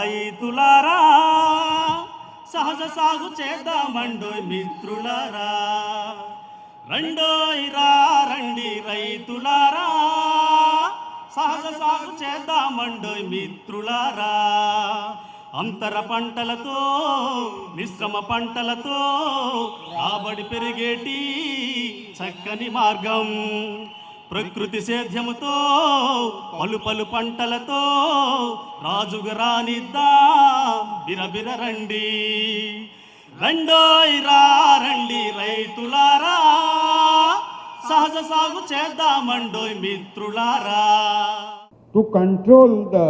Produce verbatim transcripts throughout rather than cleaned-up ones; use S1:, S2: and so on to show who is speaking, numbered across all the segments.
S1: రైతులారా సహజ సాగు చేద్దామండోయ్ మిత్రులారా, రండోయ్ రా రండి రైతులారా సహజ సాగు చేద్దామండోయ్ మిత్రులారా. అంతర పంటలతో మిశ్రమ పంటలతో రాబడి పెరిగేటి చక్కని మార్గం, ప్రకృతి సేద్యముతో పలు పలు పంటలతో రాజుగా రానిద్దా బిరబిర రండి, రండోయ్ రా రండి రైతులారా సహజ సాగు చేద్దామండోయ్ మిత్రులారా.
S2: To control the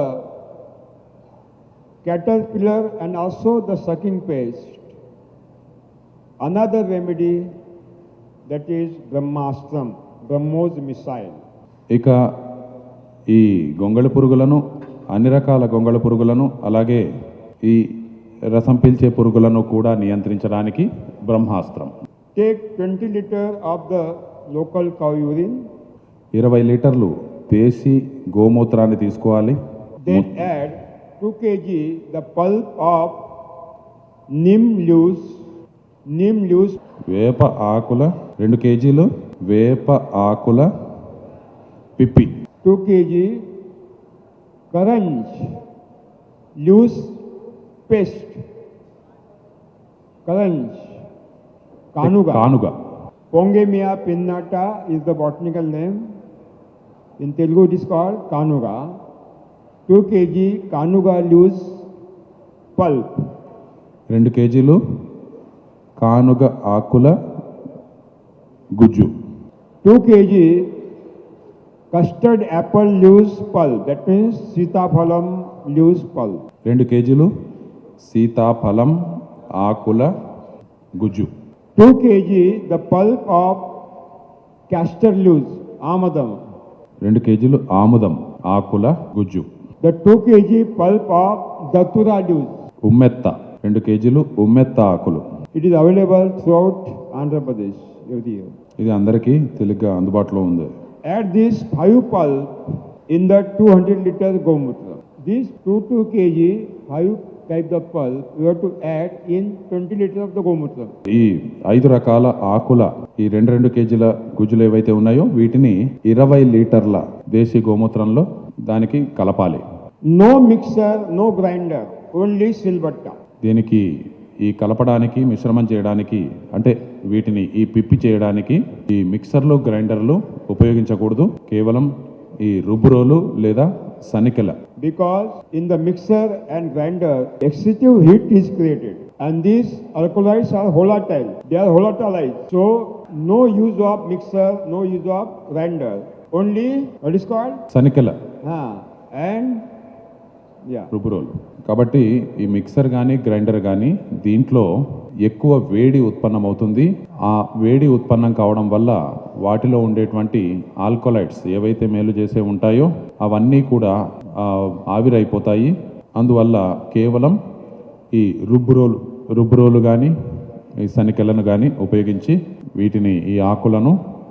S2: caterpillar and also the sucking pest, another remedy, that is Brahmastram, Brahmos missile.
S3: ఇక ఈ గొంగళి పురుగులను, అన్ని రకాల గొంగళి పురుగులను, అలాగే ఈ రసం పీల్చే పురుగులను కూడా నియంత్రించడానికి బ్రహ్మాస్త్రం.
S2: Take twenty liter of the local cow urine.
S3: ఇరవై లీటర్లు దేశీ గోమూత్రాన్ని తీసుకోవాలి.
S2: Then add two kilograms the pulp of neem leaves, neem leaves.
S3: వేప ఆకుల రెండు కేజీలు వేప ఆకుల పిప్పి.
S2: two kilograms karanj leaves paste. Karanj. Kanuga.
S3: కానుగ.
S2: Pongemia pinnata is the botanical name. In Telugu it is called Kanuga. two kilograms Kanuga leaves pulp.
S3: రెండు కేజీలు కానుగ ఆకుల గుజ్జు.
S2: two kilograms custard apple leaves pulp. That means Sitaphalam leaves pulp.
S3: రెండు కేజీలు సీతాఫలం ఆకుల గుజ్జు.
S2: two kilograms the pulp of castor leaves, amadam.
S3: రెండు కేజీలు ఆముదం ఆకుల గుజ్జు.
S2: The two kilograms pulp of datura leaves.
S3: ఉమ్మెత్త రెండు కేజీలు ఉమ్మెత్త ఆకులు.
S2: It is available throughout Andhra Pradesh every year.
S3: ఇది అందరికీ తెలుగుగా అందుబాటులో ఉంది.
S2: Add this five pulp in the two hundred liter gomutra. These two two kilograms five types of pulp you have to add in twenty liters of the gomutra.
S3: ఈ ఐదు రకాల ఆకుల ఈ రెండు రెండు కేజీల గుజ్జులు ఏవైతే ఉన్నాయో వీటిని ఇరవై లీటర్ల దేశీ గోమూత్రంలో దానికి కలపాలి.
S2: No mixer, no grinder, only silbatta.
S3: దీనికి ఈ కలపడానికి మిశ్రమం చేయడానికి అంటే వీటిని ఈ పిప్పి చేయడానికి ఈ మిక్సర్లు గ్రైండర్లు ఉపయోగించకూడదు. కేవలం ఈ రుబ్బురోలు లేదా సనికెల.
S2: Because in the mixer and grinder excessive heat is created and these alkaloids are volatile. They are volatilized. So no use of mixer, no use of grinder. Only what is called?
S3: సనికెల.
S2: Ah, and yeah.
S3: రుబ్బురోలు. కాబట్టి ఈ mixer కానీ grinder కానీ దీంట్లో ఎక్కువ వేడి ఉత్పన్నమవుతుంది. ఆ వేడి ఉత్పన్నం కావడం వల్ల వాటిలో ఉండేటువంటి ఆల్కలైడ్స్ ఏవైతే మేలు చేసే ఉంటాయో అవన్నీ కూడా ఆవిరైపోతాయి. అందువల్ల కేవలం ఈ రుబ్బురోలు రుబ్బురోలు కానీ ఈ సనికెలను కానీ ఉపయోగించి వీటిని ఈ ఆకులను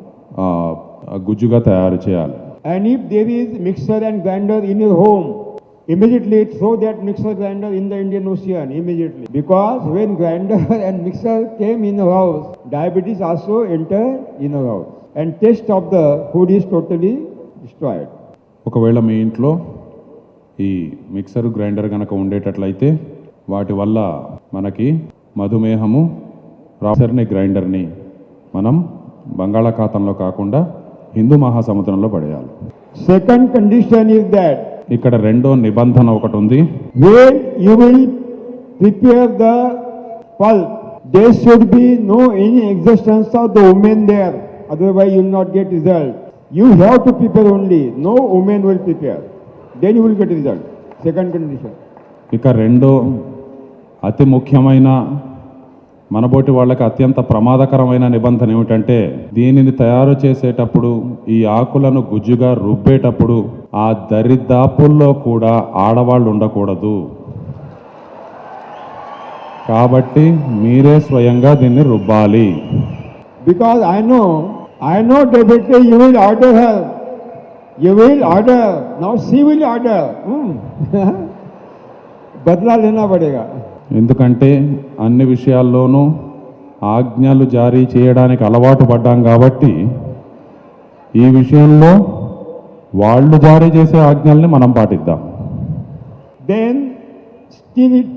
S3: గుజ్జుగా తయారు చేయాలి.
S2: And if there is mixer and grinder in your home, immediately throw that mixer grinder in the Indian Ocean immediately. Because when grinder and mixer came in our house, diabetes also entered in our house. And taste of the food is totally destroyed.
S3: ఒకవేళ మీ ఇంట్లో ఈ mixer grinder కనుక ఉండేటట్లయితే వాటి వల్ల మనకి మధుమేహము రాసర్ని గ్రైండర్ని మనం బంగాళాఖాతంలో కాకుండా హిందూ మహాసముద్రంలో పడేయాలి.
S2: Second condition is that
S3: ఇక్కడ రెండో నిబంధన ఒకటి ఉంది.
S2: when you will prepare the pulp, there should be no any existence of the woman there. Otherwise you will not get result. You have to prepare only. No woman will prepare. Then you will get result. Second condition.
S3: ఇక రెండో అతి ముఖ్యమైన మనబోటి వాళ్ళకి అత్యంత ప్రమాదకరమైన నిబంధన ఏమిటంటే దీనిని తయారు చేసేటప్పుడు ఈ ఆకులను గుజ్జుగా రుబ్బేటప్పుడు ఆ దరిదాపుల్లో కూడా ఆడవాళ్ళు ఉండకూడదు. కాబట్టి మీరే స్వయంగా దీన్ని రుబ్బాలి.
S2: Because I know, I know definitely you will order her. You will order. Now she will order. Hmm. बदला लेना पड़ेगा।
S3: ఎందుకంటే అన్ని విషయాల్లోనూ ఆజ్ఞలు జారీ చేయడానికి అలవాటు పడ్డాం కాబట్టి ఈ విషయంలో వాళ్ళు జారీ చేసే ఆజ్ఞల్ని మనం పాటిద్దాం.
S2: Then stir it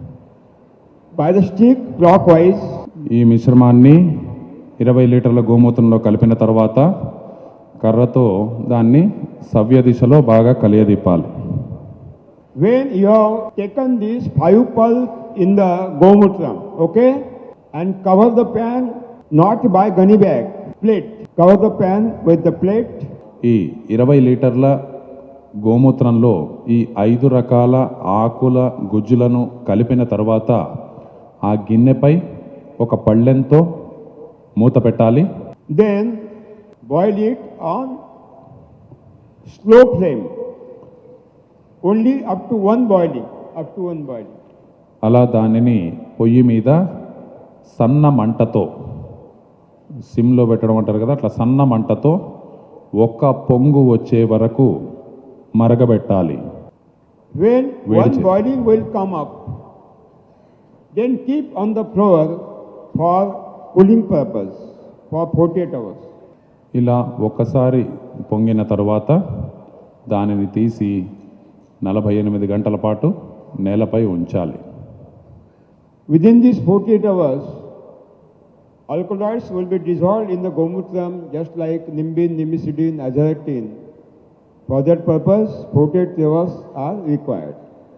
S2: by the stick clockwise.
S3: ఈ మిశ్రమాన్ని ఇరవై లీటర్ల గోమూత్రంలో కలిపిన తర్వాత కర్రతో దాన్ని సవ్య దిశలో బాగా కలియదిప్పాలి.
S2: When you have taken this five pulp in the gomutra, okay, and cover the pan not by gunny bag, plate. Cover the pan with the plate.
S3: ఈ ఇరవై లీటర్ల గోమూత్రంలో ఈ ఐదు రకాల ఆకుల గుజ్జులను కలిపిన తర్వాత ఆ గిన్నెపై ఒక పళ్ళెంతో మూత పెట్టాలి.
S2: Then boil it on slow flame. Only up to one boiling, up to one boiling.
S3: అలా దానిని పొయ్యి మీద సన్న మంటతో, సిమ్లో పెట్టడం అంటారు కదా, అట్లా సన్న మంటతో ఒక్క పొంగు వచ్చే వరకు మరగబెట్టాలి.
S2: When
S3: Wait
S2: one
S3: a-
S2: boiling will come up, then keep on the floor for cooling purpose for forty-eight hours.
S3: ఇలా ఒక్కసారి పొంగిన తర్వాత దానిని తీసి నలభై ఎనిమిది గంటల పాటు నేలపై ఉంచాలి.
S2: Within these forty-eight hours, alkaloids will be dissolved in the gomutram just like nimbin, nimiciddin, azadirachtin. For that purpose, forty-eight hours are required.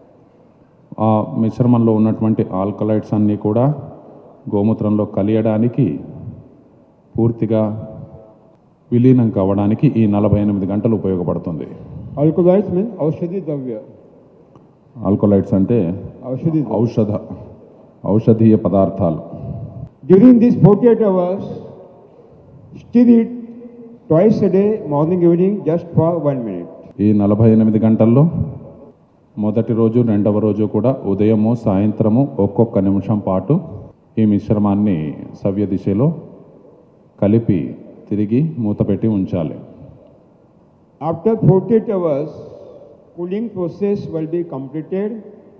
S3: ఆ మిశ్రమంలో ఉన్నటువంటి ఆల్కలైడ్స్ అన్నీ కూడా గోమూత్రంలో కలియడానికి, పూర్తిగా విలీనం కావడానికి ఈ నలభై ఎనిమిది గంటలు ఉపయోగపడుతుంది.
S2: Alkaloids means aushadhi dravya.
S3: Alkaloids అంటే
S2: Aushadhi dravya.
S3: ఔషధ ఔషధీయ పదార్థాలు.
S2: During these forty-eight hours, stir it twice a day, morning, evening, just for one minute.
S3: ఈ నలభై ఎనిమిది గంటల్లో మొదటి రోజు, రెండవ రోజు కూడా ఉదయము, సాయంత్రము ఒక్కొక్క నిమిషం పాటు ఈ మిశ్రమాన్ని సవ్య దిశలో కలిపి తిరిగి మూతపెట్టి ఉంచాలి.
S2: After forty-eight hours, cooling process will be completed.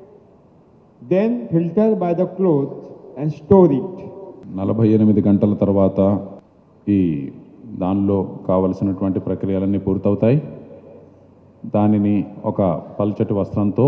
S2: Then filter by the cloth and store it.
S3: నలభై ఎనిమిది గంటల తర్వాత ఈ దానిలో కావలసినటువంటి ప్రక్రియలన్నీ పూర్తవుతాయి. దానిని ఒక పల్చటి వస్త్రంతో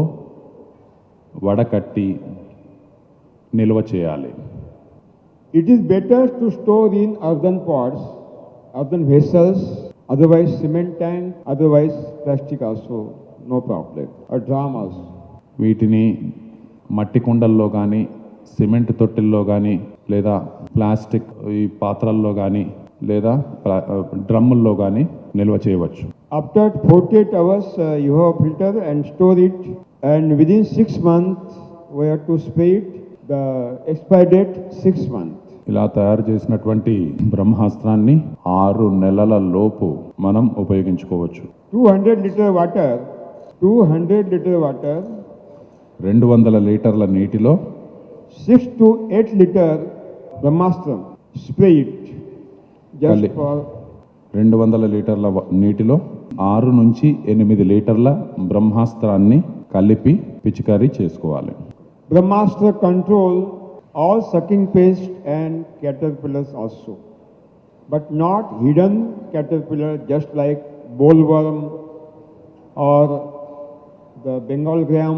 S3: వడకట్టి నిల్వ చేయాలి.
S2: It is better to store in earthen pots, earthen vessels, otherwise cement tank, otherwise plastic also, no problem, or drum also.
S3: వీటిని మట్టి కుండల్లో కానీ, సిమెంట్ తొట్టెల్లో కానీ, లేదా ప్లాస్టిక్ ఈ పాత్రల్లో కానీ, లేదా ప్లా- డ్రమ్ముల్లో కానీ నిల్వ చేయవచ్చు.
S2: After forty-eight hours, uh, you have filter and store it, and within six months, we have to spray it. The expiry date six months.
S3: ఇలా తయారు చేసినటువంటి బ్రహ్మాస్త్రాన్ని ఆరు నెలల లోపు మనం ఉపయోగించుకోవచ్చు.
S2: two hundred liter water, two hundred liter water,
S3: రెండు వందల లీటర్ల నీటిలో
S2: six to eight liter brahmastram, spray it. Just
S3: Kali-
S2: for
S3: రెండు వందల లీటర్ల వ- నీటిలో ఆరు నుంచి ఎనిమిది లీటర్ల బ్రహ్మాస్త్రాన్ని కలిపి పిచికారీ చేసుకోవాలి.
S2: brahmastra control all sucking pest and caterpillars also, but not hidden caterpillar just like bollworm or the Bengal gram,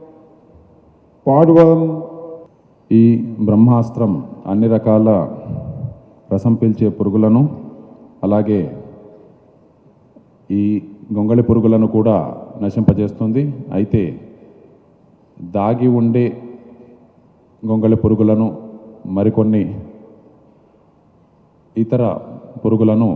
S2: podworm.
S3: ఈ బ్రహ్మాస్త్రం అన్ని రకాల రసం పీల్చే పురుగులను, అలాగే ఈ గొంగళి పురుగులను కూడా నశింపజేస్తుంది. అయితే దాగి ఉండే గొంగళి పురుగులను, మరికొన్ని ఇతర పురుగులను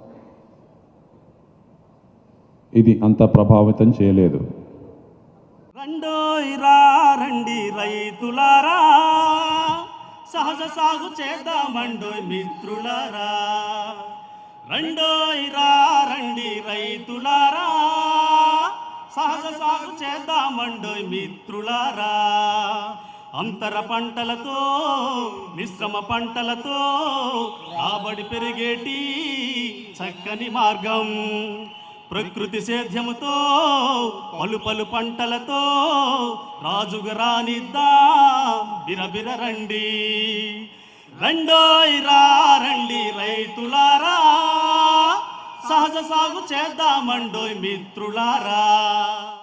S3: ఇది అంత ప్రభావితం చేయలేదు.
S1: రండోయ్ రా రండి రైతులారా, సహజ సాగు చేద్దామండోయ్ మిత్రులారా. రండోయ్ రా రండి రైతులారా, సహజ సాగు చేద్దామండోయ్ మిత్రులారా. అంతర పంటలతో, మిశ్రమ పంటలతో రాబడి పెరిగేటి చక్కని మార్గం. ప్రకృతి సేద్యముతో పలు పలు పంటలతో రాజుగా రానిద్దాం బిరబిర రండి రండోయ్ రా రండి రైతులారా సహజ సాగు చేద్దామండోయ్ మిత్రులారా.